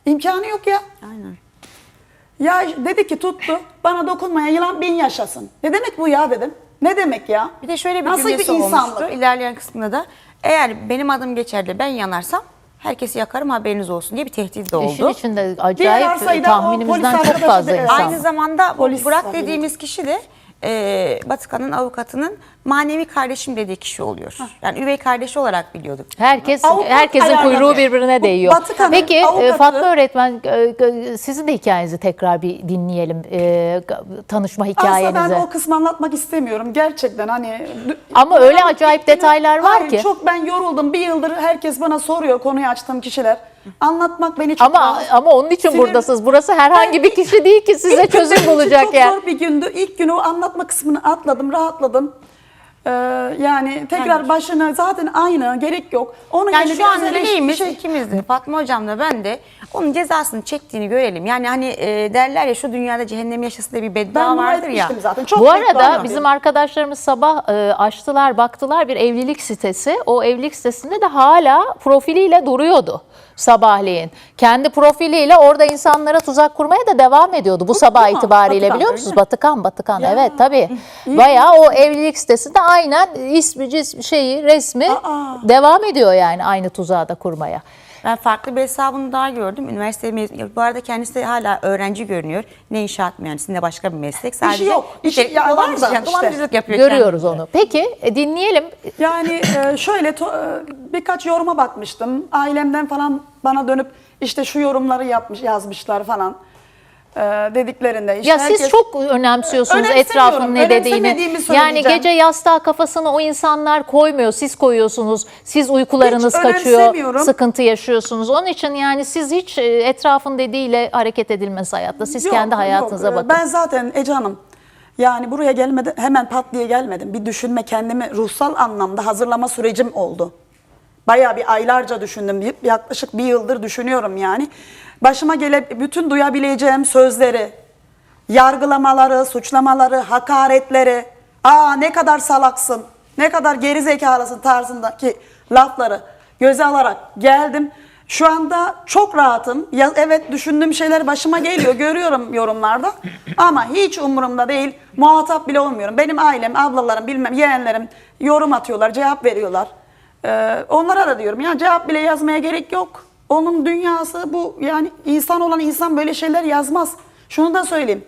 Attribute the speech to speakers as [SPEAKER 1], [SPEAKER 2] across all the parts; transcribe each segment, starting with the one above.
[SPEAKER 1] İmkanı yok ya.
[SPEAKER 2] Aynen.
[SPEAKER 1] Ya dedi ki tuttu, bana dokunmayan yılan 1000 yaşasın. Ne demek bu ya dedim. Ne demek ya?
[SPEAKER 2] Bir de şöyle bir
[SPEAKER 1] Nasıl
[SPEAKER 2] cümlesi
[SPEAKER 1] bir insanlık?
[SPEAKER 2] olmuştu. İlerleyen kısmında da eğer benim adım geçer de ben yanarsam herkesi yakarım haberiniz olsun diye bir tehdit de oldu.
[SPEAKER 3] İşin içinde
[SPEAKER 1] Diğer
[SPEAKER 3] acayip
[SPEAKER 1] arsayı da o
[SPEAKER 3] tahminimizden
[SPEAKER 1] polis
[SPEAKER 3] çok
[SPEAKER 1] arkadaşı
[SPEAKER 3] fazla
[SPEAKER 1] da-
[SPEAKER 3] insan.
[SPEAKER 2] Aynı zamanda bu
[SPEAKER 1] Polis
[SPEAKER 2] Burak
[SPEAKER 1] var,
[SPEAKER 2] dediğimiz kişi de Batıkan'ın avukatının manevi kardeşim dediği kişi oluyor. Yani üvey kardeşi olarak biliyorduk.
[SPEAKER 1] Avukat
[SPEAKER 3] Herkesin
[SPEAKER 1] ayarladı.
[SPEAKER 3] kuyruğu birbirine değiyor.
[SPEAKER 1] Batıkan'ın
[SPEAKER 3] Peki
[SPEAKER 1] avukatı-
[SPEAKER 3] Fatma öğretmen, sizin de hikayenizi tekrar bir dinleyelim. Tanışma hikayenizi.
[SPEAKER 1] Aslında ben o kısmı anlatmak istemiyorum. Gerçekten hani...
[SPEAKER 3] Ama öyle acayip detaylar var
[SPEAKER 1] Hayır,
[SPEAKER 3] ki.
[SPEAKER 1] çok ben yoruldum. Bir yıldır herkes bana soruyor konuyu açtığım kişiler. Anlatmak beni çok
[SPEAKER 3] Ama onun için
[SPEAKER 1] Sinir-
[SPEAKER 3] buradasınız. Burası herhangi bir kişi değil ki size
[SPEAKER 1] İlk gün
[SPEAKER 3] çözüm
[SPEAKER 1] benim için
[SPEAKER 3] bulacak
[SPEAKER 1] çok
[SPEAKER 3] yani.
[SPEAKER 1] zor bir gündü. İlk günü o anlatma kısmını atladım, rahatladım. Yani tekrar başına zaten aynı, gerek yok. Onu
[SPEAKER 2] Yani
[SPEAKER 1] yine
[SPEAKER 2] şu an
[SPEAKER 1] biraz
[SPEAKER 2] dileğimiz ikimiz de Fatma hocam da ben de onun cezasını çektiğini görelim. Yani hani derler ya şu dünyada cehennem yaşasın diye bir beddua
[SPEAKER 1] ben dua
[SPEAKER 2] vardır ya.
[SPEAKER 1] etmiştim zaten. Çok
[SPEAKER 3] Bu
[SPEAKER 1] beddua
[SPEAKER 3] arada
[SPEAKER 1] ediyorum.
[SPEAKER 3] bizim arkadaşlarımız sabah açtılar, baktılar bir evlilik sitesi. O evlilik sitesinde de hala profiliyle duruyordu sabahleyin. Kendi profiliyle orada insanlara tuzak kurmaya da devam ediyordu bu sabah
[SPEAKER 1] mu?
[SPEAKER 3] itibariyle,
[SPEAKER 1] Batıkan,
[SPEAKER 3] biliyor
[SPEAKER 1] öyle
[SPEAKER 3] musunuz?
[SPEAKER 1] mi?
[SPEAKER 3] Batıkan
[SPEAKER 1] Ya.
[SPEAKER 3] evet tabii. Bayağı o evlilik sitesinde aynen ismi, resmi devam ediyor yani aynı tuzağı da kurmaya.
[SPEAKER 2] Ben farklı bir hesabını daha gördüm. Üniversite mezunu. Bu arada kendisi de hala öğrenci görünüyor. Ne inşaat mühendisi ne başka bir meslek. Sadece
[SPEAKER 1] yok. İşi
[SPEAKER 2] nitelikli
[SPEAKER 1] ya var da
[SPEAKER 2] dolandırıcılık,
[SPEAKER 1] işte.
[SPEAKER 2] dolandırıcılık yapıyor
[SPEAKER 3] Görüyoruz
[SPEAKER 2] kendisi.
[SPEAKER 3] onu. Peki dinleyelim.
[SPEAKER 1] Yani şöyle birkaç yoruma bakmıştım. Ailemden falan bana dönüp işte şu yorumları yazmışlar falan dediklerinde. İşte
[SPEAKER 3] Ya siz çok önemsiyorsunuz
[SPEAKER 1] Önemsemiyorum.
[SPEAKER 3] etrafın ne dediğini.
[SPEAKER 1] Önemsemediğimi
[SPEAKER 3] Yani
[SPEAKER 1] söyleyeceğim.
[SPEAKER 3] gece yastığa kafasını o insanlar koymuyor. Siz koyuyorsunuz. Siz uykularınız
[SPEAKER 1] Hiç
[SPEAKER 3] kaçıyor.
[SPEAKER 1] önemsemiyorum.
[SPEAKER 3] Sıkıntı yaşıyorsunuz. Onun için yani siz hiç etrafın dediğiyle hareket edilmez hayatta. Siz
[SPEAKER 1] Yok,
[SPEAKER 3] kendi hayatınıza
[SPEAKER 1] yok.
[SPEAKER 3] bakın.
[SPEAKER 1] Ben zaten Ece Hanım yani buraya gelmeden hemen pat diye gelmedim. Bir düşünme, kendimi ruhsal anlamda hazırlama sürecim oldu. Bayağı bir aylarca düşündüm. Yaklaşık bir yıldır düşünüyorum yani. Başıma bütün duyabileceğim sözleri, yargılamaları, suçlamaları, hakaretleri, ne kadar salaksın, ne kadar gerizekalısın tarzındaki lafları göze alarak geldim. Şu anda çok rahatım. Ya, evet düşündüğüm şeyler başıma geliyor, görüyorum yorumlarda. Ama hiç umurumda değil, muhatap bile olmuyorum. Benim ailem, ablalarım, bilmem yeğenlerim yorum atıyorlar, cevap veriyorlar. Onlara da diyorum ya cevap bile yazmaya gerek yok. Onun dünyası bu, yani insan olan insan böyle şeyler yazmaz. Şunu da söyleyeyim.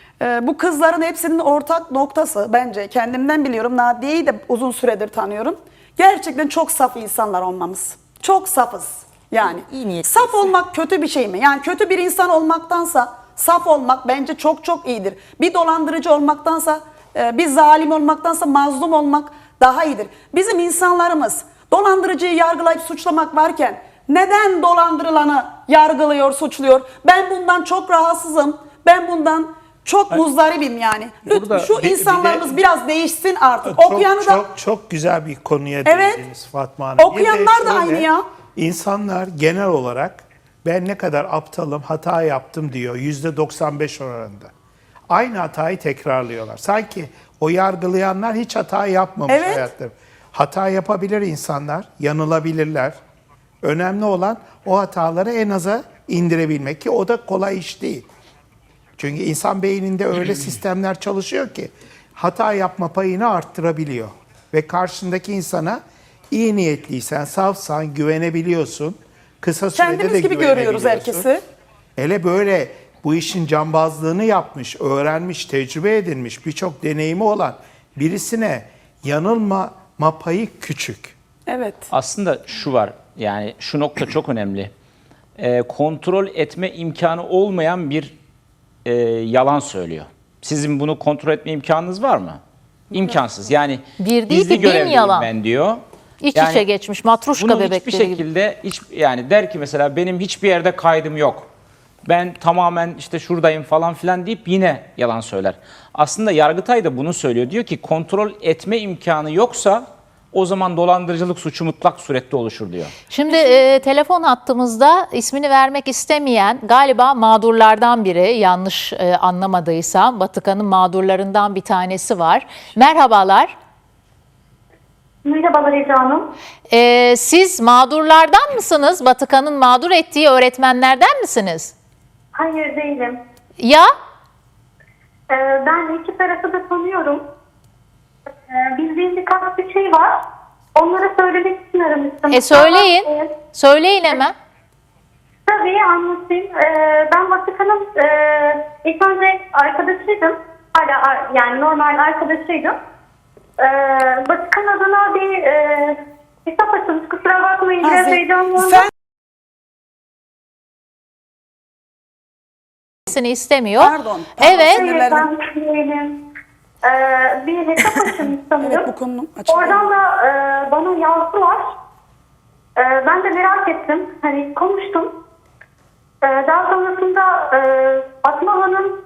[SPEAKER 1] Bu kızların hepsinin ortak noktası bence, kendimden biliyorum, Nadiye'yi de uzun süredir tanıyorum. Gerçekten çok saf insanlar olmamız. Çok safız yani.
[SPEAKER 2] İyi niyetliyiz.
[SPEAKER 1] Saf olmak kötü bir şey mi? Yani kötü bir insan olmaktansa saf olmak bence çok çok iyidir. Bir dolandırıcı olmaktansa, bir zalim olmaktansa mazlum olmak daha iyidir. Bizim insanlarımız dolandırıcıyı yargılayıp suçlamak varken neden dolandırılanı yargılıyor, suçluyor? Ben bundan çok rahatsızım. Ben bundan çok muzdaribim yani. Lütfen şu insanlarımız biraz değişsin artık. Okuyanı da
[SPEAKER 4] çok güzel bir konuya
[SPEAKER 1] Evet.
[SPEAKER 4] değindiniz Fatma Hanım. Bir de
[SPEAKER 1] Okuyanlar da
[SPEAKER 4] şöyle,
[SPEAKER 1] aynı ya.
[SPEAKER 4] İnsanlar genel olarak ben ne kadar aptalım, hata yaptım diyor %95 oranında. Aynı hatayı tekrarlıyorlar. Sanki o yargılayanlar hiç hata yapmamış
[SPEAKER 1] Evet.
[SPEAKER 4] hayatta. Hata yapabilir insanlar, yanılabilirler. Önemli olan o hataları en aza indirebilmek ki o da kolay iş değil. Çünkü insan beyninde öyle sistemler çalışıyor ki hata yapma payını arttırabiliyor. Ve karşındaki insana iyi niyetliysen, safsan, güvenebiliyorsun. Kısa sürede
[SPEAKER 1] kendimiz
[SPEAKER 4] de
[SPEAKER 1] gibi görüyoruz
[SPEAKER 4] güvenebiliyorsun.
[SPEAKER 1] herkesi.
[SPEAKER 4] Hele böyle bu işin cambazlığını yapmış, öğrenmiş, tecrübe edinmiş, birçok deneyimi olan birisine yanılma payı küçük.
[SPEAKER 1] Evet.
[SPEAKER 5] Aslında şu var, yani şu nokta çok önemli. Kontrol etme imkanı olmayan bir yalan söylüyor. Sizin bunu kontrol etme imkanınız var mı? İmkansız. Yani
[SPEAKER 3] Bir değil
[SPEAKER 5] gizli
[SPEAKER 3] ki bin
[SPEAKER 5] görevliyim
[SPEAKER 3] yalan.
[SPEAKER 5] ben diyor.
[SPEAKER 3] İç
[SPEAKER 5] Yani
[SPEAKER 3] içe geçmiş matruşka
[SPEAKER 5] bunu
[SPEAKER 3] bebekleri
[SPEAKER 5] hiçbir
[SPEAKER 3] gibi.
[SPEAKER 5] şekilde yani der ki mesela benim hiçbir yerde kaydım yok. Ben tamamen işte şuradayım falan filan deyip yine yalan söyler. Aslında Yargıtay da bunu söylüyor. Diyor ki kontrol etme imkanı yoksa o zaman dolandırıcılık suçu mutlak surette oluşur diyor.
[SPEAKER 3] Şimdi telefon hattımızda ismini vermek istemeyen galiba mağdurlardan biri, yanlış anlamadıysam Batıkan'ın mağdurlarından bir tanesi var. Merhabalar.
[SPEAKER 6] Merhabalar Ece Hanım.
[SPEAKER 3] Siz mağdurlardan mısınız? Batıkan'ın mağdur ettiği öğretmenlerden misiniz?
[SPEAKER 6] Hayır değilim.
[SPEAKER 3] Ya
[SPEAKER 6] Ben iki tarafı da tanıyorum. Bildiğim birkaç bir şey var. Onları söylemek için aramıştım.
[SPEAKER 3] söyleyin.
[SPEAKER 6] Ama,
[SPEAKER 3] Söyleyin hemen.
[SPEAKER 6] tabii anlatayım. Ben Vatikan'ın ilk önce arkadaşıydım. Hala yani normal arkadaşıydım. Vatikan adına bir hesap açılmış. Kusura bakmayın. Biraz heyecanlandım.
[SPEAKER 3] Seni istemiyor.
[SPEAKER 1] Pardon.
[SPEAKER 3] Evet.
[SPEAKER 6] Hayır, ben değilim. Bir hesap açılmış sanırım.
[SPEAKER 1] Evet, bu konu açıldı.
[SPEAKER 6] Oradan da bana yazdılar. Ben de merak ettim. Hani konuştum. Daha sonrasında Fatma Hanım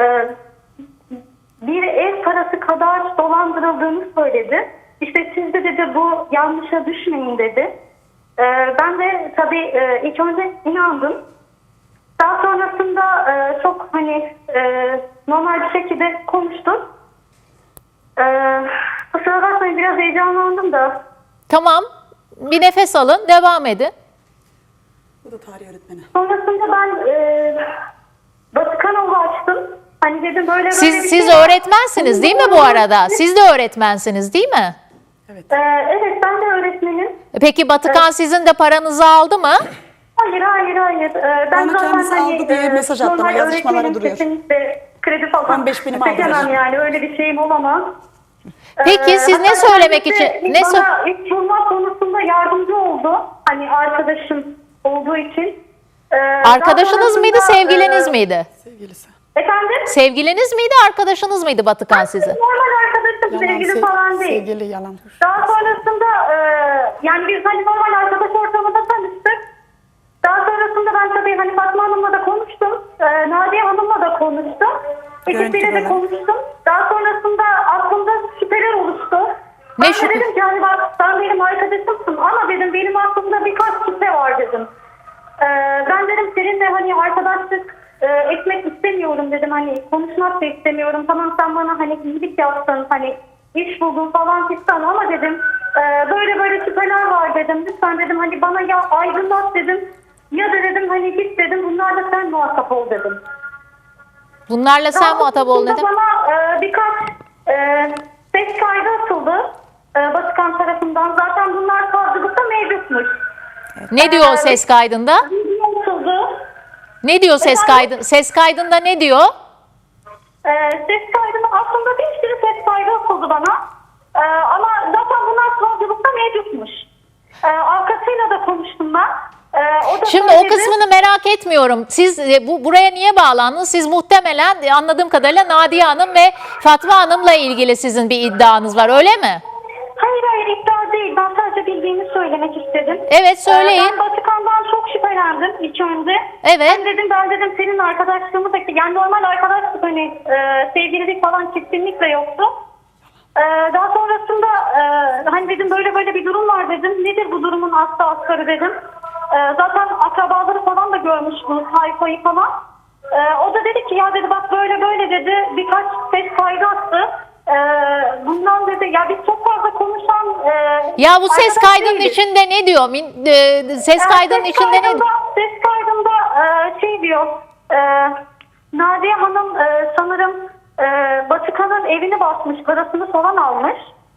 [SPEAKER 6] bir ev parası kadar dolandırıldığını söyledi. İşte siz de dedi bu yanlışa düşmeyin dedi. Ben de tabii ilk önce inandım. Daha sonrasında çok hani normal bir şekilde konuştum. Kusura bakmayın biraz heyecanlandım da.
[SPEAKER 3] Tamam. Bir nefes alın. Devam edin.
[SPEAKER 1] Bu da tarih öğretmeni.
[SPEAKER 6] Sonrasında ben Vatikanoğlu açtım. Hani dedim böyle bir
[SPEAKER 3] Siz
[SPEAKER 6] şey var.
[SPEAKER 3] öğretmensiniz değil mi bu arada? Siz de öğretmensiniz değil mi?
[SPEAKER 6] Evet ben de öğretmenim.
[SPEAKER 3] Peki Batıkan sizin de paranızı aldı mı?
[SPEAKER 6] Hayır. Ben
[SPEAKER 1] Bana kendisi aldı diye mesaj attı ama
[SPEAKER 6] normal
[SPEAKER 1] yazışmaları
[SPEAKER 6] öğretmenim,
[SPEAKER 1] duruyor.
[SPEAKER 6] kesinlikle kredi falan
[SPEAKER 1] 15 binim aldı.
[SPEAKER 6] çekemem yani öyle bir şeyim olamaz.
[SPEAKER 3] Peki siz ne
[SPEAKER 6] Hatta
[SPEAKER 3] söylemek
[SPEAKER 6] kendisi
[SPEAKER 3] için? Ne
[SPEAKER 6] bana ilk bulma konusunda yardımcı oldu. Hani arkadaşım olduğu için.
[SPEAKER 3] Arkadaşınız mıydı, sevgiliniz miydi?
[SPEAKER 1] Sevgilisi.
[SPEAKER 6] Efendim?
[SPEAKER 3] Sevgiliniz miydi, arkadaşınız mıydı Batıkan sizin?
[SPEAKER 6] Normal arkadaşım, sevgili falan değil.
[SPEAKER 1] Sevgili yalan.
[SPEAKER 6] Daha sonrasında yani biz hani normal arkadaş ortamında tanıştık. Daha sonrasında ben tabii hani Fatma Hanım'la da konuştum. Nadiye Hanım'la da konuştum. İkisiyle de
[SPEAKER 1] Görüntüler.
[SPEAKER 6] konuştum. Daha sonrasında aklımda şüpheler oluştu.
[SPEAKER 3] Ne
[SPEAKER 6] Ben de
[SPEAKER 3] şüphe?
[SPEAKER 6] dedim ki hani bak sen benim arkadaşımsın ama dedim benim aklımda birkaç şüphe var dedim. Ben dedim seninle hani arkadaşlık etmek istemiyorum dedim. Hani konuşmak da istemiyorum. Tamam sen bana hani iyilik yaptın hani iş buldun falan fistan ama dedim böyle şüpheler var dedim. Lütfen dedim hani bana ya aydınlat dedim. Ya da dedim hani git dedim bunlarla sen muhatap ol dedim.
[SPEAKER 3] Bunlarla sen muhatap ol dedim.
[SPEAKER 6] Bana birkaç ses kaydı atıldı Vatikan tarafından. Zaten bunlar savcılıkta mevcutmuş.
[SPEAKER 3] Ne diyor o ses kaydında?
[SPEAKER 6] Video atıldı.
[SPEAKER 3] Ne diyor ses kaydı? Ses kaydında ne diyor?
[SPEAKER 6] Ses kaydını aslında bir sürü ses kaydı atıldı bana. Ama zaten bunlar savcılıkta mevcutmuş. Arkasıyla da konuştum ben. O da
[SPEAKER 3] Şimdi o
[SPEAKER 6] söyledi.
[SPEAKER 3] kısmını merak etmiyorum. Siz buraya niye bağlandınız? Siz muhtemelen anladığım kadarıyla Nadiye Hanım ve Fatma Hanım'la ilgili sizin bir iddianız var, öyle mi?
[SPEAKER 6] Hayır iddia değil. Ben sadece bildiğimi söylemek istedim.
[SPEAKER 3] Evet, söyleyin.
[SPEAKER 6] Ben Vatikan'dan çok şüphelendim ilk önce.
[SPEAKER 3] Evet.
[SPEAKER 6] Ben dedim senin arkadaşlığımı da yani normal arkadaşlık hani sevgililik falan kesinlikle yoktu. Daha sonrasında hani dedim böyle bir durum var dedim. Nedir bu durumun aslı asgarı dedim. Zaten akrabaları falan da görmüş bu sayfayı falan. O da dedi ki ya dedi bak böyle dedi. Birkaç ses kaydı attı. Bundan dedi ya biz çok fazla konuşan
[SPEAKER 3] Ya bu ses
[SPEAKER 6] arkadaş
[SPEAKER 3] kaydının
[SPEAKER 6] değiliz.
[SPEAKER 3] içinde ne diyor? Ses kaydının içinde ne diyor?
[SPEAKER 6] Ses kaydında şey diyor Nadiye Hanım sanırım Vatikan'ın evini basmış, parasını falan almış.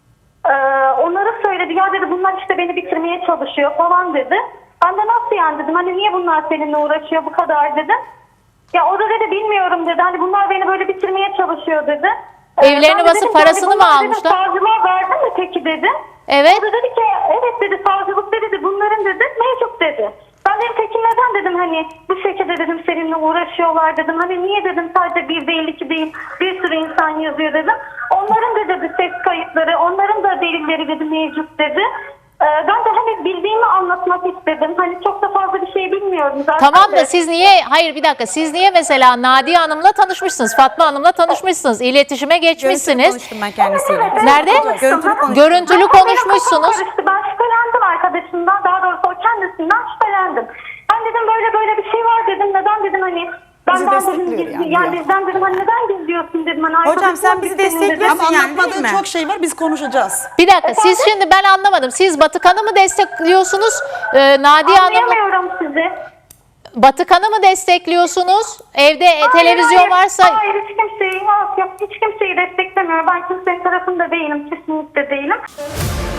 [SPEAKER 6] Onları söyledi ya dedi bunlar işte beni bitirmeye çalışıyor falan dedi. Ben de nasıl yani dedim hani niye bunlar seninle uğraşıyor bu kadar dedim. Ya o da dedi bilmiyorum dedi hani bunlar beni böyle bitirmeye çalışıyor dedi.
[SPEAKER 3] Evlerini
[SPEAKER 6] Ben de
[SPEAKER 3] basıp
[SPEAKER 6] dedim,
[SPEAKER 3] parasını
[SPEAKER 6] yani
[SPEAKER 3] mı
[SPEAKER 6] bunlar dedim,
[SPEAKER 3] almışlar?
[SPEAKER 6] savcılığa verdin mi peki dedi.
[SPEAKER 3] Evet.
[SPEAKER 6] O da dedi ki evet dedi savcılıkta dedi bunların dedi mevcut dedi. Ben dedim peki neden dedim hani bu şekilde dedim seninle uğraşıyorlar dedim. Hani niye dedim sadece bir değil iki değil bir sürü insan yazıyor dedim. Onların da dedi ses kayıtları onların da delilleri dedi mevcut dedi. Ben de hani bildiğimi anlatmak istedim. Hani çok da fazla bir şey bilmiyorum zaten.
[SPEAKER 3] Tamam da
[SPEAKER 6] de.
[SPEAKER 3] siz niye, hayır bir dakika, siz niye mesela Nadiye Hanım'la tanışmışsınız, Fatma Hanım'la tanışmışsınız, iletişime
[SPEAKER 2] Görüntülü
[SPEAKER 3] geçmişsiniz.
[SPEAKER 2] konuştum ben kendisiyle.
[SPEAKER 6] Evet,
[SPEAKER 3] Nerede?
[SPEAKER 2] Görüntülü konuştum.
[SPEAKER 3] Görüntülü
[SPEAKER 6] Benim kafam
[SPEAKER 3] konuşmuşsunuz.
[SPEAKER 6] karıştı. Ben şüphelendim arkadaşımdan. Daha doğrusu o kendisinden şüphelendim. Ben dedim böyle bir şey var dedim. Neden dedim hani
[SPEAKER 1] bizi
[SPEAKER 6] benden dedim,
[SPEAKER 1] destekliyor yani.
[SPEAKER 6] yani bizden dedim hani neden gizliyorsun dedim. Hani
[SPEAKER 2] Hocam sen
[SPEAKER 6] arkadaşım
[SPEAKER 2] bizi
[SPEAKER 6] senin dedim.
[SPEAKER 2] destekliyorsun.
[SPEAKER 1] Ama
[SPEAKER 2] yani, değil
[SPEAKER 1] anlatmadığı
[SPEAKER 2] mi?
[SPEAKER 1] çok şey var, biz konuşacağız.
[SPEAKER 3] Bir dakika siz şimdi ben anlamadım. Siz Batıkan'ı mı destekliyorsunuz? Nadiye Hanım'ı
[SPEAKER 6] Anlayamıyorum sizi.
[SPEAKER 3] Batıkan'ı mı destekliyorsunuz? Evde televizyon
[SPEAKER 6] Hayır,
[SPEAKER 3] varsa
[SPEAKER 6] Hayır hiç kimseyi, yok, hiç kimseyi desteklemiyorum. Ben kimsenin tarafında değilim. Kesinlikle değilim.